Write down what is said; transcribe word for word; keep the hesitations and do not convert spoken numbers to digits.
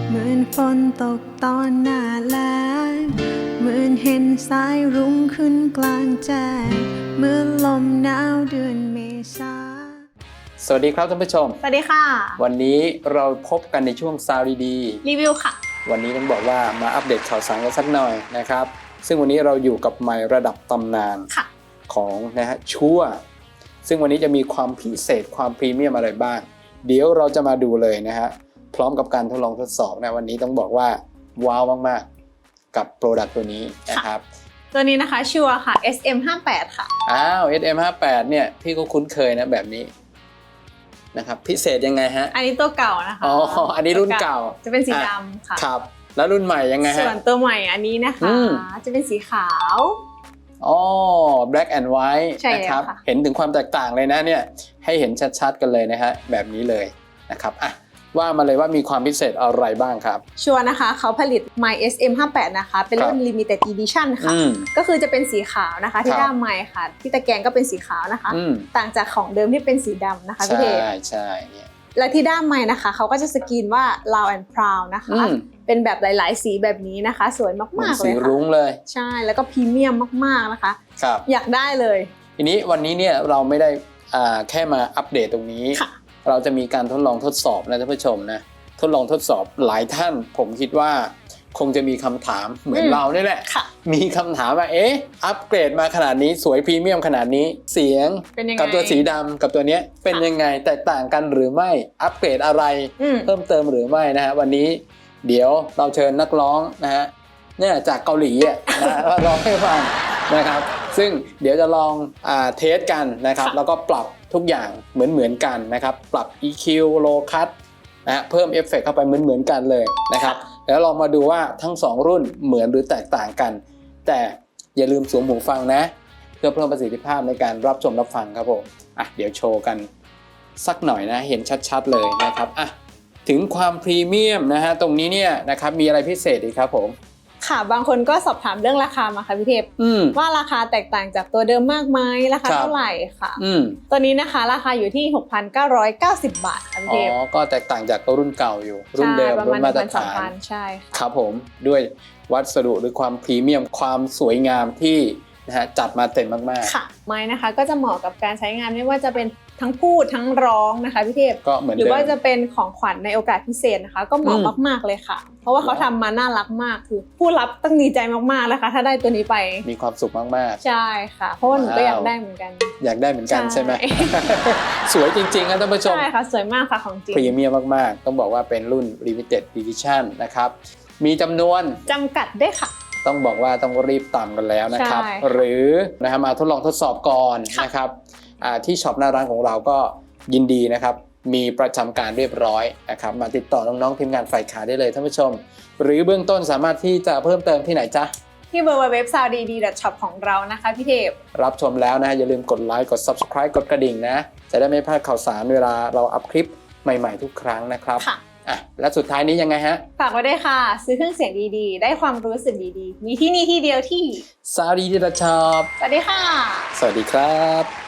เหมือนฝนตกตอนหน้าแล้งเหมือนเห็นสายรุ้งขึ้นกลางแจ้งเหมือนลมหนาวเดือนเมษาสวัสดีครับท่านผู้ชมสวัสดีค่ะวันนี้เราพบกันในช่วงซาวดีรีวิวค่ะวันนี้ต้องบอกว่ามาอัปเดตข่าวสารกันสักหน่อยนะครับซึ่งวันนี้เราอยู่กับไมค์ระดับตำนานของนะฮะชัวซึ่งวันนี้จะมีความพิเศษความพรีเมียมอะไรบ้างเดี๋ยวเราจะมาดูเลยนะฮะพร้อมกับการทดลองทดสอบนะวันนี้ต้องบอกว่าว้าวมากๆกับโปรดักต์ตัวนี้นะครับตัวนี้นะคะชัวค่ะ เอส เอ็ม ห้าสิบแปด ค่ะอ้าว เอส เอ็ม ห้าสิบแปด เนี่ยพี่ก็คุ้นเคยนะแบบนี้นะครับพิเศษยังไงฮะอันนี้ตัวเก่านะคะอ๋ออันนี้รุ่นเก่าจะเป็นสีดำค่ะครับแล้วรุ่นใหม่ยังไงฮะส่วนตัวใหม่อันนี้นะคะจะเป็นสีขาวอ๋อ black and white นะครับเห็นถึงความแตกต่างเลยนะเนี่ยให้เห็นชัดๆกันเลยนะฮะแบบนี้เลยนะครับอ่ะว่ามาเลยว่ามีความพิเศษอะไรบ้างครับชัวร์นะคะเขาผลิต My เอส เอ็ม ห้าสิบแปด นะคะเป็นรุ่น Limited Edition ค่ะก็คือจะเป็นสีขาวนะคะที่ด้ามไม้ค่ะที่ตะแกรงก็เป็นสีขาวนะคะต่างจากของเดิมที่เป็นสีดำนะคะพี่เทใช่ใช่เนี่ยและที่ด้ามไม้นะคะเขาก็จะสกรีนว่า loud and proud นะคะเป็นแบบหลายๆสีแบบนี้นะคะสวยมากๆเลยค่ะสีรุ้งเลยใช่แล้วก็พรีเมียมมากๆนะคะครับอยากได้เลยทีนี้วันนี้เนี่ยเราไม่ได้แค่มาอัปเดตตรงนี้เราจะมีการทดลองทดสอบนะท่านผู้ชมนะทดลองทดสอบหลายท่านผมคิดว่าคงจะมีคำถามเหมือนเรานี่แหละมีคำถามว่าเอ๊ะอัปเกรดมาขนาดนี้สวยพรีเมียมขนาดนี้เสียงกับตัวสีดำกับตัวนี้เป็นยังไงแตกต่างกันหรือไม่อัปเกรดอะไรเพิ่มเติมหรือไม่นะฮะวันนี้เดี๋ยวเราเชิญนักร้องนะฮะเนี่ยจากเกาหลีอ่ะนะมาร้องให้ฟังนะครับซึ่งเดี๋ยวจะลองอ่าเทสกันนะครับแล้วก็ปรับทุกอย่างเหมือนเหมือนกันนะครับปรับ อี คิว Low Cut นะฮะเพิ่มเอฟเฟกต์เข้าไปเหมือนเหมือนกันเลยนะครับแล้วลองมาดูว่าทั้งสองรุ่นเหมือนหรือแตกต่างกันแต่อย่าลืมสวมหูฟังนะเพื่อเพิ่มประสิทธิภาพในการรับชมรับฟังครับผมอ่ะเดี๋ยวโชว์กันสักหน่อยนะเห็นชัดๆเลยนะครับอ่ะถึงความพรีเมียมนะฮะตรงนี้เนี่ยนะครับมีอะไรพิเศษอีกครับผมค่ะบางคนก็สอบถามเรื่องราคามาค่ะพี่เทพว่าราคาแตกต่างจากตัวเดิมมากไหมราคาเท่าไหร่ค่ะตัวนี้นะคะราคาอยู่ที่ หกพันเก้าร้อยเก้าสิบ บาทค่ะพี่เทพอ๋อก็แตกต่างจากตัวรุ่นเก่าอยู่รุ่นเดิมรุ่นมาตรฐานใช่ค่ะครับผมด้วยวัสดุหรือความพรีเมียมความสวยงามที่นะฮะจัดมาเต็มมากๆค่ะไม้นะคะก็จะเหมาะกับการใช้งานไม่ว่าจะเป็นทั้งพูดทั้งร้องนะคะพี่เทพก็เหมือนหรือว่าจะเป็นของขวัญในโอกาสพิเศษนะคะก็เหมาะมากๆเลยค่ะเพราะว่าเขาทำมาน่ารักมากคือผู้รับต้องดีใจมากๆนะคะถ้าได้ตัวนี้ไปมีความสุขมากๆใช่ค่ะเพราะว่าหนูก็อยากได้เหมือนกันอยากได้เหมือนกันใช่ไหมสวยจริงๆนะท่านผู้ชมใช่ค่ะสวยมากค่ะของจริงพรีเมียมมากๆต้องบอกว่าเป็นรุ่น Limited Edition นะครับมีจำนวนจำกัดด้วยค่ะต้องบอกว่าต้องรีบตามกันแล้วนะครับหรือนะฮะมาทดลองทดสอบก่อนนะครับที่ช็อปหน้าร้านของเราก็ยินดีนะครับมีประจำการเรียบร้อยนะครับมาติดต่อน้องๆทีมงานฝ่ายขายได้เลยท่านผู้ชมหรือเบื้องต้นสามารถที่จะเพิ่มเติมที่ไหนจ๊ะที่ ดับเบิลยู ดับเบิลยู ดับเบิลยู ดอท ซาวด์ ดี ดี ดอท ช็อป ของเรานะคะพี่เทพรับชมแล้วนะอย่าลืมกดไลค์กด Subscribe กดกระดิ่งนะจะได้ไม่พลาดข่าวสารเวลาเราอัพคลิปใหม่ๆทุกครั้งนะครับอ่ะและสุดท้ายนี้ยังไงฮะฝากไว้ด้วยค่ะซื้อเครื่องเสียงดีๆได้ความรู้สึกดีๆมีที่นี่ที่เดียวที่ซาวด์ ดี ดี ดอท ช็อปสวัสดีค่ะสวัสดีครับ